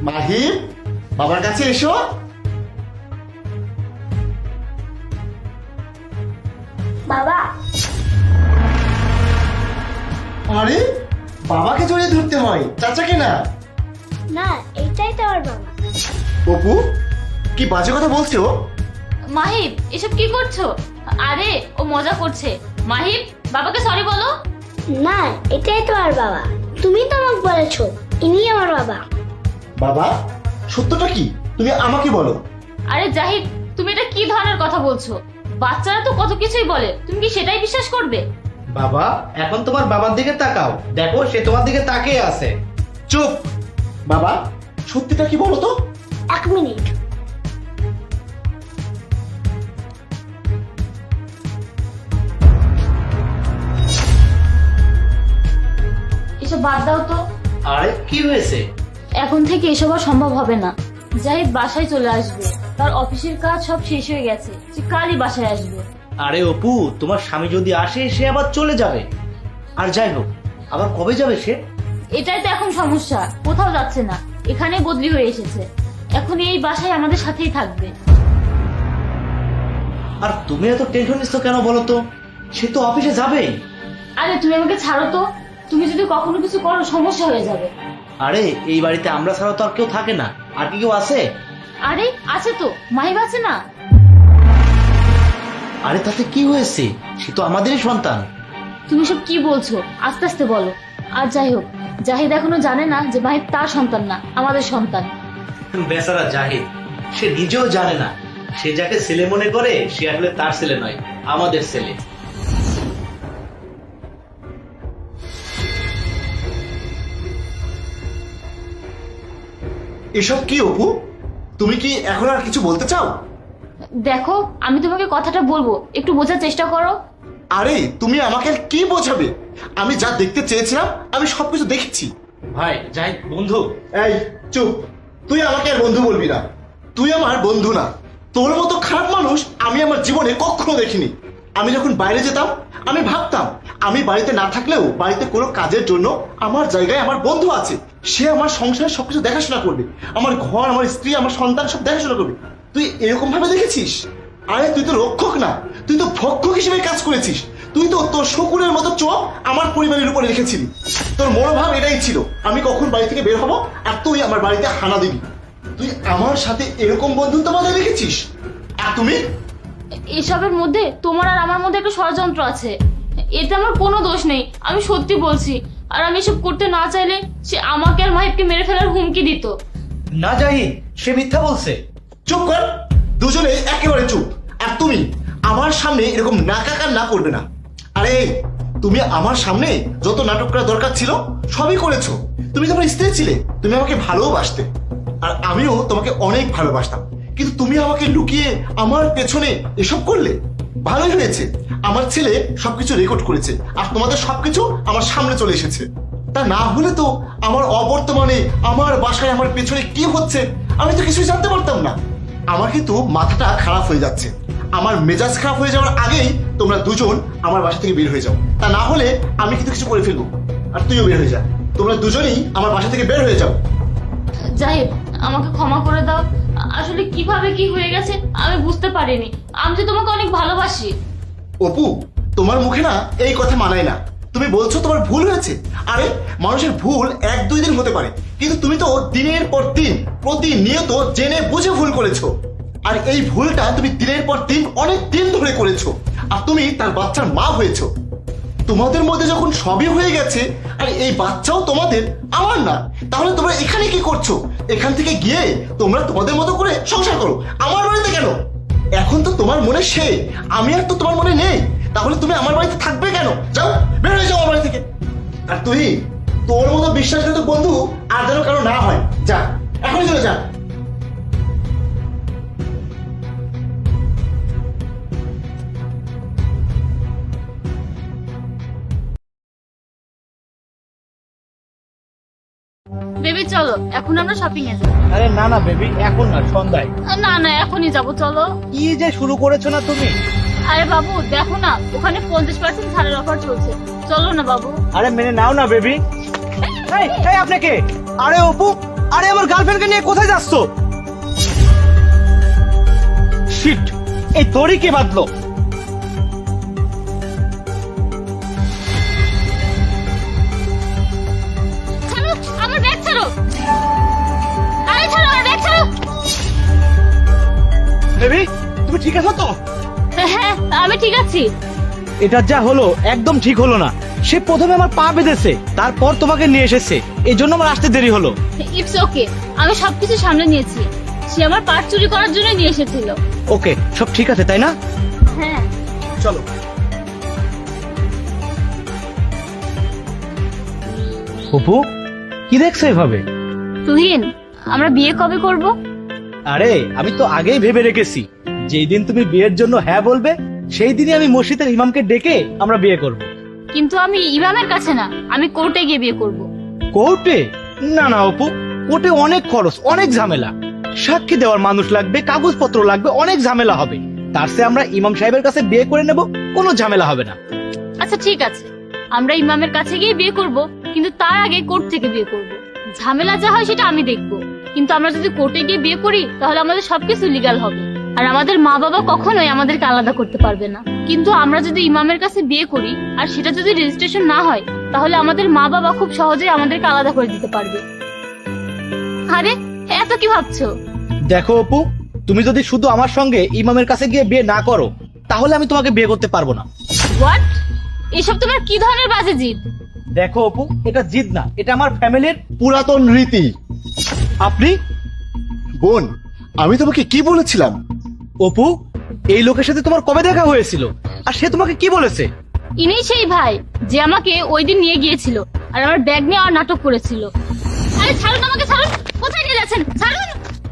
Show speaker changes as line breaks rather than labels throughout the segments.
মাহিম, বাবার কাছে এসো।
বাবা,
আরে বাবাকে জড়িয়ে ধরতে হয়, চাচাকে না।
না এটাই তো আমার বাবা।
অপু, কি বাজে কথা বলছো?
মাহিব, এসব কি করছো? আরে ও মজা করছে। মাহিব, বাবাকে সরি বলো।
না এটাই তো আমার বাবা, তুমি তো আমাকে বলেছো ইনি আমার বাবা।
বাবা, সত্যটা কি তুমি আমাকে বলো।
আরে জাহিদ, তুমি এটা কি ধরনের কথা বলছো? বাচ্চারা তো কত কিছুই বলে, তুমি কি সেটাই বিশ্বাস করবে?
বাবা, এখন তোমার বাবার দিকে তাকাও, দেখো সে তোমার দিকে তাকিয়ে আছে।
চুপ। বাবা, সত্যিটা কি বলো তো?
1 মিনিট।
এসব বাদ দাও তো।
আরে কি হয়েছে?
এখন থেকে এসব আর সম্ভব হবে না। জাহিদ বাসায় চলে আসবে, তার অফিসের কাজ সব শেষ হয়ে গেছে, সে কালই বাসায় আসবে।
আরে অপু, তোমার স্বামী যদি আসে সে আবার চলে যাবে। আর যাই হোক, আবার কবে যাবে সে?
এটাই তো এখন সমস্যা, কোথাও যাচ্ছে না, এখানে বদলি হয়ে এসেছে। এখন এই বাসায় আমাদের সাথেই থাকবে।
আর তুমি এত টেনশন নিচ্ছ কেন বলো তো? সে তো অফিসে যাবেই।
আরে তুমি আমাকে ছাড়ো তো, তুমি যদি কখনো কিছু করো সমস্যা হয়ে যাবে।
আরে এই বাড়িতে আমরা ছাড়া তো আর কেউ থাকে না, আর কি কেউ আছে?
আরে আছে তো, মাহিব আছে না?
আরে তাতে কি হয়েছে, সে তো আমাদেরই সন্তান।
তুমি সব কি বলছো? আস্তে আস্তে বলো। আর যাই হোক, জাহিদ এখনো জানে না যে মাহিব তার সন্তান না, আমাদের সন্তান।
বেচারা জাহিদ, সে নিজেও জানে না। সে যাকে ছেলে মনে করে সে আসলে তার ছেলে নয়, আমাদের ছেলে।
এসব কি অপু? তুমি কি এখন আর কিছু বলতে চাও?
দেখো, আমি তোমাকে কথাটা বলবো, একটু বোঝার চেষ্টা করো।
আরে তুমি আমাকে আর কি বোঝাবে? আমি যা দেখতে চেয়েছিলাম আমি সবকিছু দেখেছি।
ভাই জাহিদ বন্ধু।
এই চুপ। তুই আমাকে আর বন্ধু বলবি না। তুই আমার বন্ধু না। তোর মতো খারাপ মানুষ আমি আমার জীবনে কখনো দেখিনি। আমি যখন বাইরে যেতাম আমি ভাবতাম আমি বাড়িতে না থাকলেও বাড়িতে কোনো কাজের জন্য আমার জায়গায় আমার বন্ধু আছে, সে আমার সংসারের সবকিছু দেখাশোনা করবে, আমার ঘর, আমার স্ত্রী, আমার সন্তান সব দেখাশোনা করবে। তুই এরকম ভাবে দেখেছিস? আরে তুই তো রক্ষক না, তুই তো ভক্ষক হিসেবে কাজ করেছিস। তুই তো তোর শকুনের মতো চোখ আমার পরিবারের উপরে রেখেছিলি। তোর মনোভাব এটাই ছিল আমি কখন বাড়ি থেকে বের হব আর তুই আমার বাড়িতে হানা দিবি। তুই আমার সাথে এরকম বন্ধুত্ব বজায় রেখেছিস। আর তুমি?
এসবের মধ্যে তোমার আর আমার মধ্যে একটা ষড়যন্ত্র আছে। এতে আমার কোনো দোষ নেই, আমি সত্যি বলছি। আর আমি এসব করতে না চাইলে সে আমাকে আর মাহিবকে মেরে ফেলার হুমকি দিত।
না জাহিদ, সে মিথ্যা বলছে।
চুপ কর, দুজনে একেবারে চুপ। আর তুমি আমার সামনে এরকম নাকা কান্না করবে না। আরে তুমি আমার সামনে যত নাটক করা দরকার ছিল সবই করেছো। তুমি তোমার স্ত্রী ছিলে, তুমি আমাকে ভালোবাসতে, আর আমিও তোমাকে অনেক ভালোবাসতাম। কিন্তু তুমি আমাকে লুকিয়ে আমার পেছনে এসব করলে। ভালোই হয়েছে, আমার ছেলে সবকিছু রেকর্ড করেছে আর তোমাদের সবকিছু আমার সামনে চলে এসেছে। তা না হলে তো আমার অবর্তমানে আমার বাসায় আমার পেছনে কি হচ্ছে আমি তো কিছুই জানতে পারতাম না। আমার কিন্তু মাথাটা খারাপ হয়ে যাচ্ছে। আমার মেজাজ খারাপ হয়ে যাওয়ার আগেই তোমরা দুজন আমার বাসা থেকে বের হয়ে যাও, তা না হলে আমি কিন্তু কিছু করে ফেলবো। আর তুইও বের হয়ে যা, তোমরা দুজনেই আমার বাসা থেকে বের হয়ে যাও।
জাহিদ, আমাকে ক্ষমা করে দাও। আসলে কিভাবে কি হয়ে গেছে আমি বুঝতে পারিনি। আমি যে তোমাকে অনেক ভালোবাসি।
অপু, তোমার মুখে না এই কথা মানায় না। তুমি বলছো তোমার ভুল হয়েছে। আরে মানুষের ভুল 1-2 দিন হতে পারে, কিন্তু তুমি তো দিনের পর দিন প্রতিনিয়ত জেনে বুঝে ভুল করেছো। আর এই ভুলটা তুমি দিনের পর দিন অনেক দিন ধরে করেছো, আর তুমি তার বাচ্চার মা হয়েছো। তোমাদের মধ্যে যখন সবই হয়ে গেছে আর এই বাচ্চাও তোমাদের, আমার না, তাহলে তোমরা এখানে কি করছো? এখান থেকে গিয়ে তোমরা তোমাদের মতো করে সংসার করো, আমার বাড়িতে কেন? এখন তো তোমার মনে সে, আমি আর তো তোমার মনে নেই, তাহলে তুমি আমার বাড়িতে থাকবে কেন? যাও, বের হয়ে যাও আমার বাড়ি থেকে। আর তুই, তোর মতো বিশ্বাসঘাতক বন্ধু আর যেন কারো না হয়। যা, এখনই চলে যা।
বেবি চলো, এখন আমরা শপিং এ যাই।
আরে না না বেবি, এখন না, সন্ধ্যায়।
না না, এখনই যাবো, চলো।
কি যে শুরু করেছো না তুমি?
আরে বাবু দেখো না, ওখানে 50% ছাড়ের অফার চলছে, চলো না বাবু।
আরে মেনে নাও না বেবি। আপনাকে, আরে অপু,
আরে আমার গার্লফ্রেন্ডকে নিয়ে কোথায় যাচ্ছ? শিট, এই দড়ি কে বাঁধলো?
ছাড়ো আমার ব্যাগ, ছাড়ো। আরে ছাড়ো আমার ব্যাগ, ছাড়ো।
বেবি, তুমি ঠিক আছো তো?
হ্যাঁ আমি ঠিক আছি।
এটা যা হলো একদম ঠিক হলো না। সে প্রথমে আমার পা বেঁধেছে, তারপর তোমাকে নিয়ে এসেছে, এই জন্য আমার আসতে দেরি হলো।
ইটস ওকে, আমি সবকিছু সামলে নিয়েছি। সে আমার পার্ট চুরি করার জন্য নিয়ে এসেছিল।
ওকে, সব ঠিক আছে তাই না?
হ্যাঁ।
চলো। অপু, কি দেখছো এভাবে?
তুহিন, আমরা বিয়ে কবে করব?
আরে আমি তো আগেই ভেবে রেখেছি, যেই দিন তুমি বিয়ের জন্য হ্যাঁ বলবে সেই দিনই আমি মসজিদের ইমামকে ডেকে আমরা বিয়ে করব।
কিন্তু আমি ইমামের কাছে না, আমি কোর্টে গিয়ে বিয়ে করব।
কোর্টে? না না অপু, কোর্টে অনেক খরচ, অনেক ঝামেলা, সাক্ষী দেওয়ার মানুষ লাগবে, কাগজপত্র লাগবে, অনেক ঝামেলা হবে। তার চেয়ে আমরা ইমাম সাহেবের কাছে বিয়ে করে নেব, কোনো ঝামেলা হবে না।
আচ্ছা ঠিক আছে, আমরা ইমামের কাছে গিয়ে বিয়ে করব, কিন্তু তার আগে কোর্ট থেকে বিয়ে করব। ঝামেলা যা হয় সেটা আমি দেখব, কিন্তু আমরা যদি কোর্টে গিয়ে বিয়ে করি তাহলে আমাদের সবকিছু লিগ্যাল হবে, আর আমাদের মা বাবা কখনোই আমাদেরকে আলাদা করতে পারবে না। কিন্তু আমরা যদি ইমামের কাছে বিয়ে করি আর সেটা যদি রেজিস্ট্রেশন না হয়, তাহলে আমাদের মা বাবা খুব সহজেই আমাদেরকে আলাদা করে দিতে পারবে। আরে এত কি ভাবছো?
দেখো অপু, তুমি যদি শুধু আমার সঙ্গে ইমামের কাছে গিয়ে বিয়ে না করো তাহলে আমি তোমাকে বিয়ে করতে পারবো না।
হোয়াট? এসব তোমার কি ধরনের বাজে জিদ?
দেখো অপু, এটা জিদ না, এটা আমার ফ্যামিলির।
পুরাতন রীতি।
আপনি?
বোন, আমি তোমাকে কি বলেছিলাম?
অপু, এই লোকের সাথে তোমার কবে দেখা হয়েছিল আর সে তোমাকে কি বলেছে?
ইনি সেই ভাই যে আমাকে ওই দিন নিয়ে গিয়েছিল আর আমার ব্যাগ নিয়ে আর নাটক করেছিল। আরে ছাড়ুন আমাকে, ছাড়ুন। কোথায় নিয়ে যাচ্ছেন? ছাড়ুন।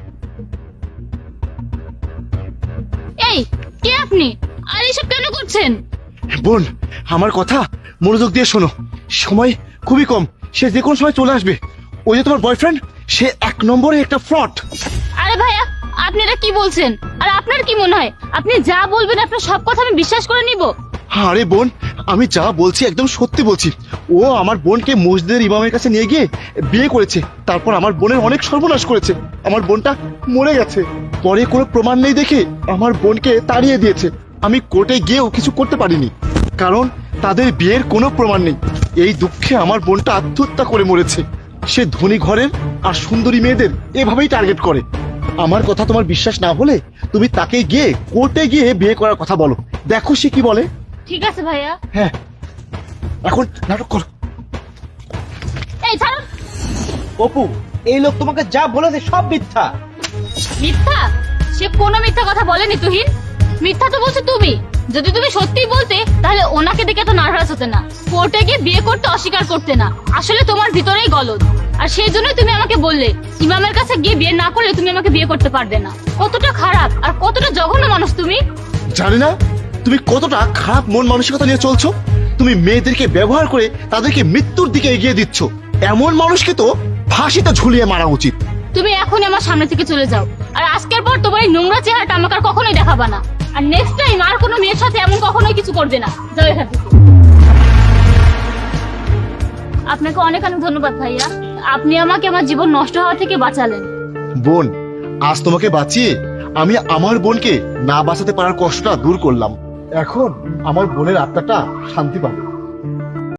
এই, কে আপনি? আর এসব কেন করছেন?
বোন, আমার কথা মনোযোগ দিয়ে শোনো। সময় খুবই কম, সে যে কোনো সময় চলে আসবে। ওই যে তোমার বয়ফ্রেন্ড, সে 1 নম্বরে একটা ফ্রড।
আরে ভাইয়া, আপনি এটা কি বলছেন? আর আপনার কি মনে হয় আপনি যা বলবেন আপনার সব কথা আমি বিশ্বাস করে নিব?
আরে বোন, আমি যা বলছি একদম সত্যি বলছি। ও আমার বোনকে মসজিদের ইমামের কাছে নিয়ে গিয়ে বিয়ে করেছে, তারপর আমার বোনের অনেক সর্বনাশ করেছে। আমার বোনটা মরে গেছে, পরে কোনো প্রমাণ নেই দেখে আমার বোনকে তাড়িয়ে দিয়েছে। আমি কোর্টে গিয়েও কিছু করতে পারিনি, কারণ তাদের বিয়ের কোনো প্রমাণ নেই। এই দুঃখে আমার বোনটা আত্মহত্যা করে মরেছে। সে ধনী ঘরের আর সুন্দরী মেয়েদের এভাবেই টার্গেট করে। আমার কথা তোমার বিশ্বাস না হলে তুমি তাকে গিয়ে কোর্টে গিয়ে বিয়ে করার কথা বলো, দেখো সে কি বলে।
ঠিক আছে ভাইয়া।
হ্যাঁ, এখন নাটক করো।
এই ছাড়ুন।
অপু, এই লোক তোমাকে যা বলেছে সব মিথ্যা।
মিথ্যা? সে কোনো মিথ্যা কথা বলেনি তুহিন। মিথ্যা তো বলছো তুমি। যদি তুমি সত্যি বলতে তাহলে ওনাকে দেখে তো নার্ভাস হতে না, কোর্টে গিয়ে বিয়ে করতে অস্বীকার করতে না। আসলে তোমার ভিতরেই গলদ, আর সেই জন্যই তুমি আমাকে বললে ইমামের কাছে গিয়ে বিয়ে না করলে তুমি আমাকে বিয়ে করতে পারবে না। কতটা খারাপ আর কতটা জঘন্য মানুষ তুমি।
জানি না তুমি কতটা খারাপ মন মানসিকতা নিয়ে চলছো। তুমি মেয়েদেরকে ব্যবহার করে তাদেরকে মৃত্যুর দিকে এগিয়ে দিচ্ছ। এমন মানুষকে তো ফাঁসিতে ঝুলিয়ে মারা উচিত।
তুমি এখনই আমার সামনে থেকে চলে যাও, আর আজকের পর তোমার এই নোংরা চেহারাটা আমাকে আর কখনোই দেখাবা না। আর নেক্সট টাইম আর কোনো মেয়ের সাথে এমন কখনোই কিছু করবে না। যাও এখান থেকে। আপনাকে অনেক অনেক ধন্যবাদ ভাইয়া, আপনি আমাকে আমার জীবন নষ্ট হওয়া থেকে বাঁচালেন।
বোন, আজ তোমাকে বাঁচিয়ে আমি আমার বোনকে না বাঁচাতে পারার কষ্টটা দূর করলাম। এখন আমার বোনের আত্মাটা শান্তি পাবে।